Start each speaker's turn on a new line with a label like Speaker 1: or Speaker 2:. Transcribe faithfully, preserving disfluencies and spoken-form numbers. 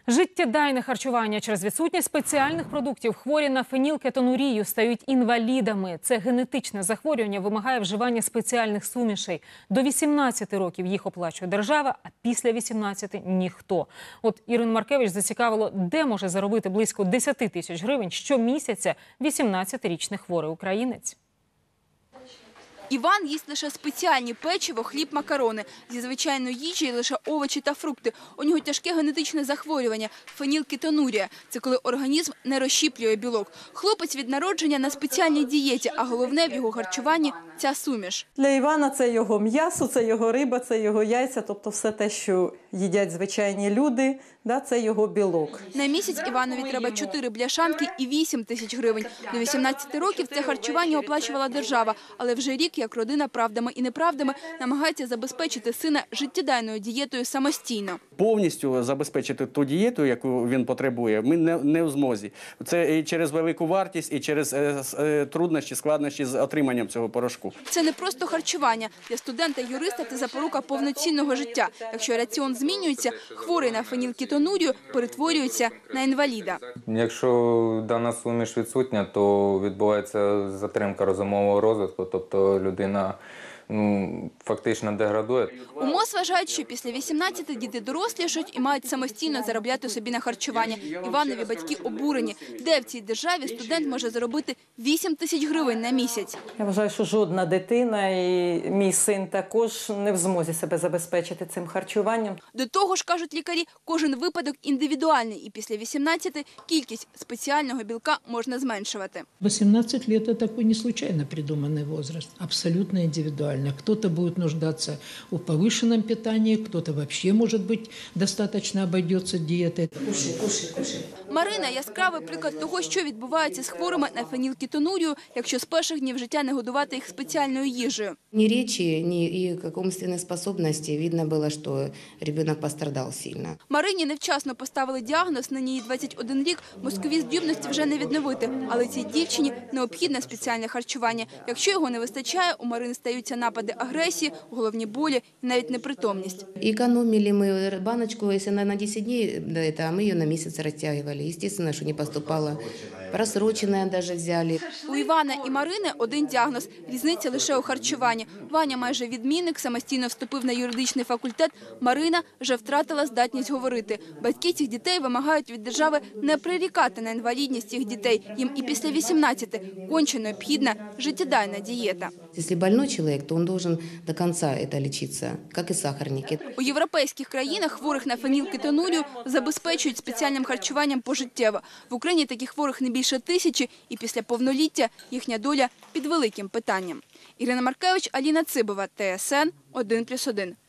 Speaker 1: Життєдайне харчування через відсутність спеціальних продуктів. Хворі на фенілкетонурію стають інвалідами. Це генетичне захворювання вимагає вживання спеціальних сумішей. До вісімнадцяти років їх оплачує держава, а після вісімнадцяти – ніхто. От Ірину Маркевич зацікавило, де може заробити близько десяти тисяч гривень щомісяця вісімнадцятирічний хворий українець.
Speaker 2: Іван їсть лише спеціальні печиво, хліб, макарони. Зі звичайної їжі лише овочі та фрукти. У нього тяжке генетичне захворювання – фенілкетонурія. Це коли організм не розщіплює білок. Хлопець від народження на спеціальній дієті, а головне в його харчуванні – ця суміш.
Speaker 3: Для Івана це його м'ясо, це його риба, це його яйця, тобто все те, що їдять звичайні люди, да, це його білок.
Speaker 2: На місяць Іванові треба чотири бляшанки і вісім тисяч гривень. До вісімнадцяти років це харчування оплачувала держава, але вже рік, як родина правдами і неправдами намагається забезпечити сина життєдайною дієтою самостійно.
Speaker 4: Повністю забезпечити ту дієту, яку він потребує, ми не, не в змозі. Це і через велику вартість, і через е, е, труднощі, складнощі з отриманням цього порошку.
Speaker 2: Це не просто харчування. Для студента-юриста це запорука повноцінного життя. Якщо раціон змінюється, хворий на фенілкетонурію перетворюється на інваліда.
Speaker 5: Якщо дана суміш відсутня, то відбувається затримка розумового розвитку, тобто людина ну, фактично деградує.
Speaker 2: У МОЗ вважають, що після вісімнадцяти діти дорослішають і мають самостійно заробляти собі на харчування. Іванові батьки обурені. Де в цій державі студент може заробити вісім тисяч гривень на місяць?
Speaker 3: Я вважаю, що жодна дитина, і мій син також, не в змозі себе забезпечити цим харчуванням.
Speaker 2: До того ж, кажуть лікарі, кожен випадок індивідуальний. І після вісімнадцяти кількість спеціального білка можна зменшувати.
Speaker 6: восемнадцать лет – это такой не случайно придуманный возраст, абсолютно индивидуальный. Кто-то будет нуждаться в повышенном питании, кто-то вообще, может быть, достаточно обойдется диетой. Кушай, кушай, кушай.
Speaker 2: Марина – яскравий приклад того, що відбувається з хворими на фенілкетонурію, якщо з перших днів життя не годувати їх спеціальною їжею.
Speaker 7: Ни речи, ни и как умственной способности видно было, что ребенок пострадал сильно.
Speaker 2: Марині невчасно поставили діагноз, нині їй двадцять один рік, мозкові здібності вже не відновити. Але цій дівчині необхідне спеціальне харчування. Якщо його не вистачає, у Марини стаються напади агресії, головні болі і навіть непритомність.
Speaker 7: Экономили мы баночку, если она на десять дней, да, это, а мы ее на месяц растягивали. Естественно, что не поступало. Просроченное даже взяли.
Speaker 2: У Івана і Марини один діагноз – різниця лише у харчуванні. Ваня майже відмінник, самостійно вступив на юридичний факультет. Марина вже втратила здатність говорити. Батьки цих дітей вимагають від держави не прирікати на інвалідність їх дітей. Їм і після вісімнадцяти конче необхідна життєдайна дієта.
Speaker 7: Если больной человек, то он должен до конца это лечиться, как и сахарники.
Speaker 2: У європейських країнах хворих на фенілкетонурію забезпечують спеціальним харчуванням пожиттєво. В Україні таких хворих не більше тисячі, і після повноліття їхня доля під великим питанням. Ірина Маркевич, Аліна Цибова, Т С Н один плюс один.